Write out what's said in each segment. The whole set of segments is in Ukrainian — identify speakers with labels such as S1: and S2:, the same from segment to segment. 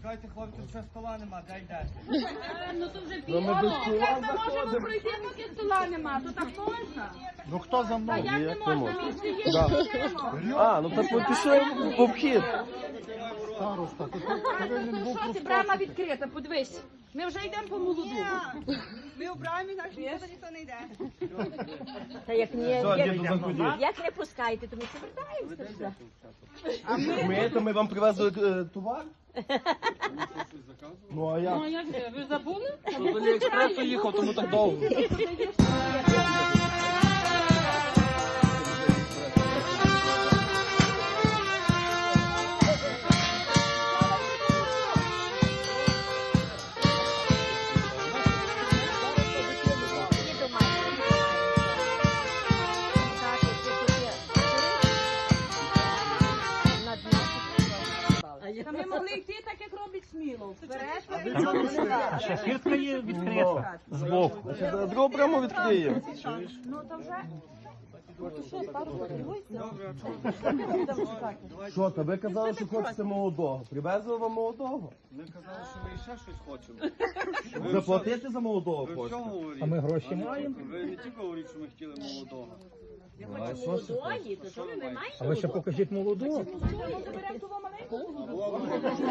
S1: Чекайте, хлопці, ще стола нема, де йдете?
S2: Ну то вже пізно. Як ми можемо пройти, поки стола нема? То так можна?
S3: Ну хто за
S2: Та
S3: мною?
S2: як не можна? Місце є, йдемо.
S4: А, ну так пішли в обхід.
S3: Староста, то ти повинен був
S2: Що ти, брама відкрита, подивись. Ми вже йдемо по молоду.
S5: Ми у брамі, так що ніхто не йде.
S6: Та як як не пускаєте, то ми повертаємося.
S4: Ми, ми вам привезли товар? Ну а як?
S2: Ну як же, ви забули?
S4: З Аліекспресу їхав, тому так довго.
S2: Та ми могли йти так, як робить Смілов. Вперед,
S7: Ще фіртка є відкрита збоку.
S4: Другу прямо відкриємо.
S2: ну то вже.
S4: Що, та ви казали, що хочете молодого. Привезли вам молодого?
S1: Ми казали, що ми ще щось хочемо.
S4: Заплатити за молодого
S1: Ви
S4: хочете?
S1: всього говорите?
S7: А ми гроші маємо?
S1: Ви не тільки говорите, що ми хотіли молодого.
S4: А що ж?
S6: Молодої, то що ви не маєте?
S7: А ви ще покажіть молоду.
S2: Заберемо того маленького.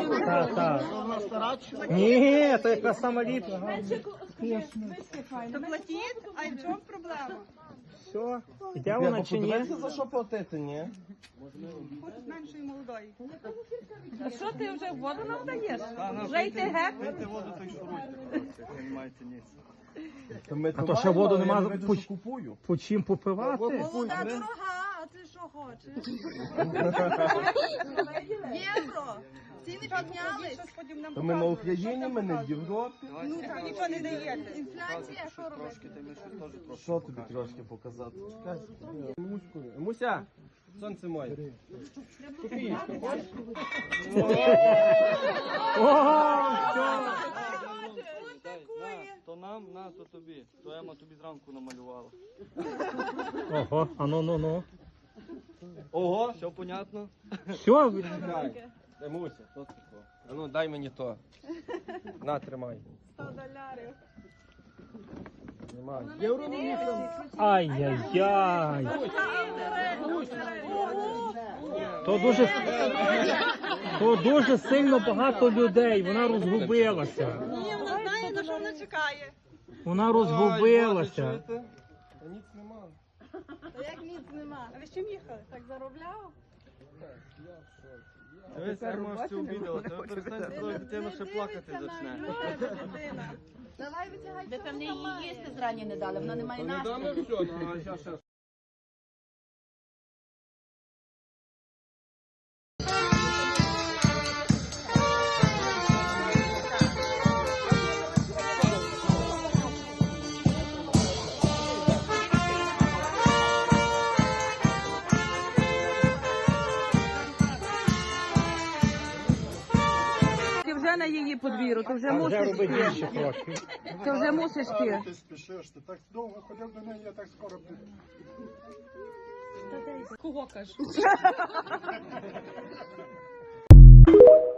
S7: Так. Ні, то якраз сама ліпна.
S5: То платіть, а в чому проблема?
S7: Все, іде вона чи ні?
S4: Подивіться, за що платити, ні?
S5: Хочуть меншої молодої.
S2: А що ти вже воду нам даєш?
S1: Та,
S2: Вже йти геть?
S1: пийте воду, то й шуруйте. Ви не маєте ніц.
S4: А
S7: то ще воду нема,
S4: що купую.
S7: По чим попивати?
S5: Молода дорога, а ти що хочеш? Євро. Ціни піднялись.
S4: То ми на Україні, ми не в Європі.
S5: Ну так, нічого не даєте. Інфляція, що робити?
S1: Трошки, ти ми щось теж трошки.
S4: Що тобі трошки показати? Чекай. Муся, сонце моє.
S1: То нам, то тобі. То Ема тобі зранку намалювала.
S7: Ого, а ну.
S4: Ого,
S1: Все понятно?
S7: Все,
S4: чекай. Муся, що це таке? А ну дай мені то. На, тримай.
S5: 100 доларів.
S4: Тримай.
S7: ай-яй-яй. То дуже сильно багато людей, вона розгубилася.
S5: Ні, вона знає, на що вона чекає.
S7: Вона розгубилася.
S4: Та ніц нема.
S5: Та як ніц нема. А ви з чим їхали? Так заробляв?
S1: Дивись, Ема аж це обідала. Тебе перестань твою дитину ще плакати зачне.
S5: Дитина. Давай витягай.
S6: Ви певне її їсти зрані не дали, вона не має
S4: Не
S6: настрою.
S4: даме все, ну а щас.
S2: Ти вже на її подвір'ю, ти вже
S7: Вже
S2: мусиш
S7: робить
S2: йти.
S7: більше трошки.
S2: Ти вже мусиш йти.
S3: Ти спішиш, ти так довго ходив до неї, я так скоро буду.
S2: Кого кажеш?